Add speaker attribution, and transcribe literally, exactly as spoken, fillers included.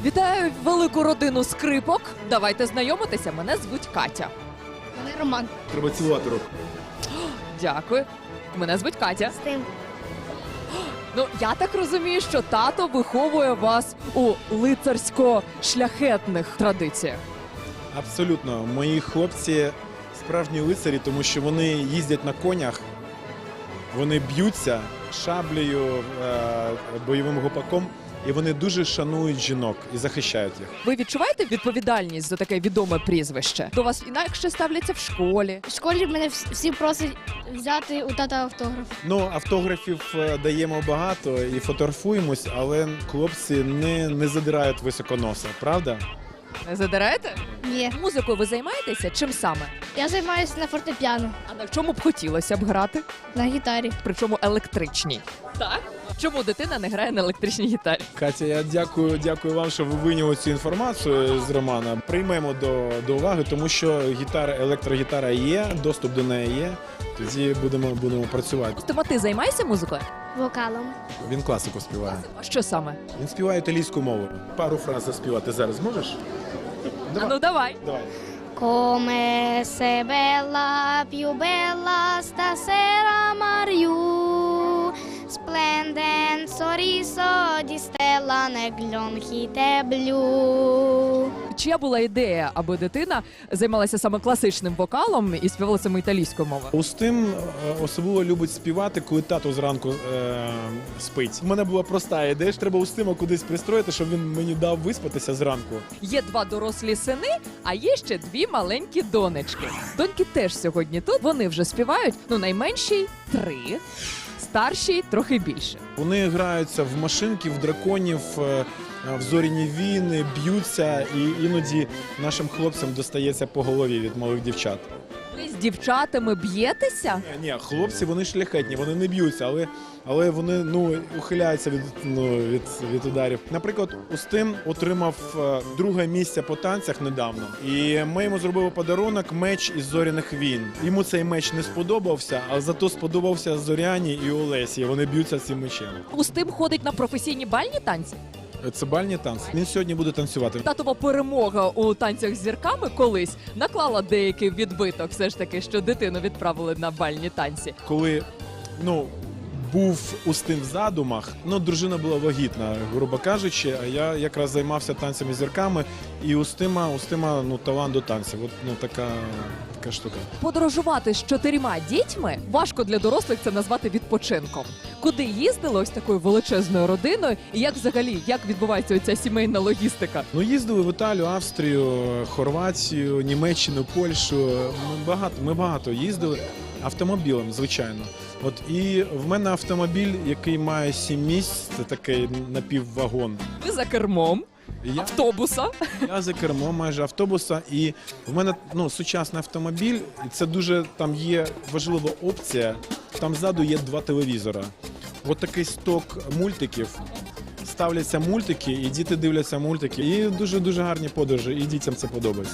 Speaker 1: Вітаю велику родину скрипок. Давайте знайомитися. Мене звуть Катя.
Speaker 2: Мене Роман.
Speaker 3: Треба цілувати руку.
Speaker 1: Дякую. Мене звуть Катя.
Speaker 2: З тим.
Speaker 1: Ну, я так розумію, що тато виховує вас у лицарсько-шляхетних традиціях.
Speaker 3: Абсолютно. Мої хлопці справжні лицарі, тому що вони їздять на конях, вони б'ються шаблею, е, бойовим гопаком, і вони дуже шанують жінок і захищають їх.
Speaker 1: Ви відчуваєте відповідальність за таке відоме прізвище? До вас інакше ставляться в школі.
Speaker 2: В школі мене вс- всі просять взяти у тата автограф.
Speaker 3: Ну, автографів е, даємо багато і фотографуємось, але хлопці не, не задирають високо носа, правда?
Speaker 1: Не задираєте?
Speaker 2: Ні.
Speaker 1: Музикою ви займаєтеся? Чим саме?
Speaker 2: Я займаюся на фортепіано,
Speaker 1: А на чому б хотілося б грати?
Speaker 2: на гітарі.
Speaker 1: Причому електричній. Так? Чому дитина не грає на електричній гітарі?
Speaker 3: Катя, я дякую, дякую вам, що ви вийняли цю інформацію з Романа. Приймемо до, до уваги, тому що гітара, електрогітара є, доступ до неї є. Тоді будемо, будемо працювати.
Speaker 1: Тома, ти займаєшся музикою?
Speaker 2: Вокалом.
Speaker 3: Він класику співає.
Speaker 1: А що саме?
Speaker 3: Він співає італійську мову. Пару фраз заспівати зараз можеш?
Speaker 1: А ну давай.
Speaker 3: Давай.
Speaker 2: Come sei bella, più bella stasera Mariù, splende un sorriso di stella negli occhi te blu.
Speaker 1: Чия була ідея, аби дитина займалася саме класичним вокалом і співала саме італійською мовою?
Speaker 3: Устим е, особливо любить співати, коли тато зранку е, спить. У мене була проста ідея, що треба Устима кудись пристроїти, щоб він мені дав виспатися зранку.
Speaker 1: Є два дорослі сини, а є ще дві маленькі донечки. Доньки теж сьогодні тут. Вони вже співають. Ну, найменшій три, старшій трохи більше.
Speaker 3: Вони граються в машинки, в драконів, е, в зоряні війни, б'ються, і іноді нашим хлопцям достається по голові від малих дівчат.
Speaker 1: Ви з дівчатами б'єтеся?
Speaker 3: Ні, ні, хлопці вони шляхетні, вони не б'ються, але, але вони ну, ухиляються від, ну, від, від ударів. Наприклад, Устим отримав е, друге місце по танцях недавно, і ми йому зробили подарунок меч із зоряних війн. Йому цей меч не сподобався, а зато сподобався Зоряні і Олесі. Вони б'ються цим мечем.
Speaker 1: Устим ходить на професійні бальні танці.
Speaker 3: Це бальні танці. Він сьогодні буде танцювати.
Speaker 1: Татова перемога у танцях з зірками колись наклала деякий відбиток, все ж таки, що дитину відправили на бальні танці.
Speaker 3: Коли ну, був Устим в задумах, ну, дружина була вагітна, грубо кажучи, а я якраз займався танцями з зірками, і Устима, Устима ну, талант до танців. От, ну, така, така штука.
Speaker 1: Подорожувати з чотирма дітьми важко для дорослих це назвати відпочинком. Куди їздили ось такою величезною родиною, і як взагалі, як відбувається оця сімейна логістика?
Speaker 3: Ну, їздили в Італію, Австрію, Хорватію, Німеччину, Польщу. Ми багато, ми багато їздили автомобілем, звичайно. От і в мене автомобіль, який має сім місць, це такий напіввагон.
Speaker 1: Ви за кермом
Speaker 3: І Я,
Speaker 1: автобуса.
Speaker 3: я за кермом майже автобуса, і в мене ну, сучасний автомобіль, і це дуже там є важлива опція. Там ззаду є два телевізора. От такий сток мультиків. Ставляться мультики, і діти дивляться мультики. І дуже-дуже гарні подорожі, і дітям це подобається.